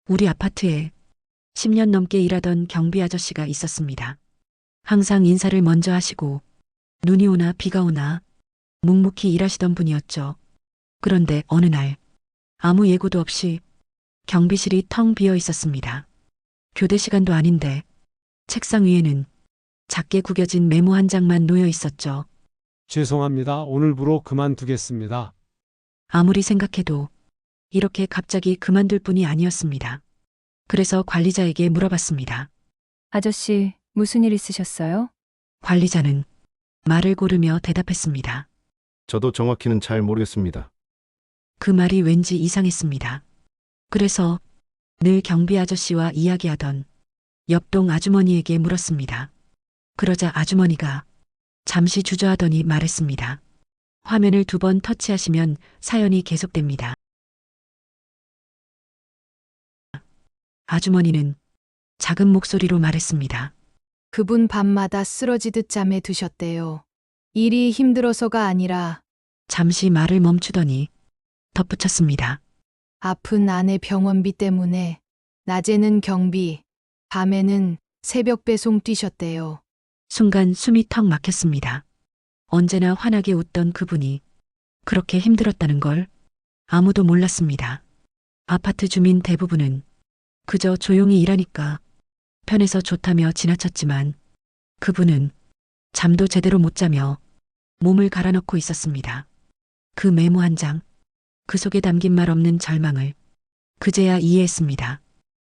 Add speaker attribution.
Speaker 1: 우리 아파트에 10년 넘게 일하던 경비 아저씨가 있었습니다. 항상 인사를 먼저 하시고 눈이 오나 비가 오나 묵묵히 일하시던 분이었죠. 그런데 어느 날 아무 예고도 없이 경비실이 텅 비어 있었습니다. 교대 시간도 아닌데 책상 위에는 작게 구겨진 메모 한 장만 놓여 있었죠.
Speaker 2: 죄송합니다. 오늘부로 그만두겠습니다.
Speaker 1: 아무리 생각해도 이렇게 갑자기 그만둘 뿐이 아니었습니다. 그래서 관리자에게 물어봤습니다.
Speaker 3: 아저씨, 무슨 일 있으셨어요?
Speaker 1: 관리자는 말을 고르며 대답했습니다.
Speaker 4: 저도 정확히는 잘 모르겠습니다.
Speaker 1: 그 말이 왠지 이상했습니다. 그래서 늘 경비 아저씨와 이야기하던 옆동 아주머니에게 물었습니다. 그러자 아주머니가 잠시 주저하더니 말했습니다. 화면을 2번 터치하시면 사연이 계속됩니다. 아주머니는 작은 목소리로 말했습니다.
Speaker 5: 그분 밤마다 쓰러지듯 잠에 드셨대요. 일이 힘들어서가 아니라
Speaker 1: 잠시 말을 멈추더니 덧붙였습니다.
Speaker 5: 아픈 아내 병원비 때문에 낮에는 경비, 밤에는 새벽 배송 뛰셨대요.
Speaker 1: 순간 숨이 턱 막혔습니다. 언제나 환하게 웃던 그분이 그렇게 힘들었다는 걸 아무도 몰랐습니다. 아파트 주민 대부분은 그저 조용히 일하니까 편해서 좋다며 지나쳤지만 그분은 잠도 제대로 못 자며 몸을 갈아넣고 있었습니다. 그 메모 한 장, 그 속에 담긴 말 없는 절망을 그제야 이해했습니다.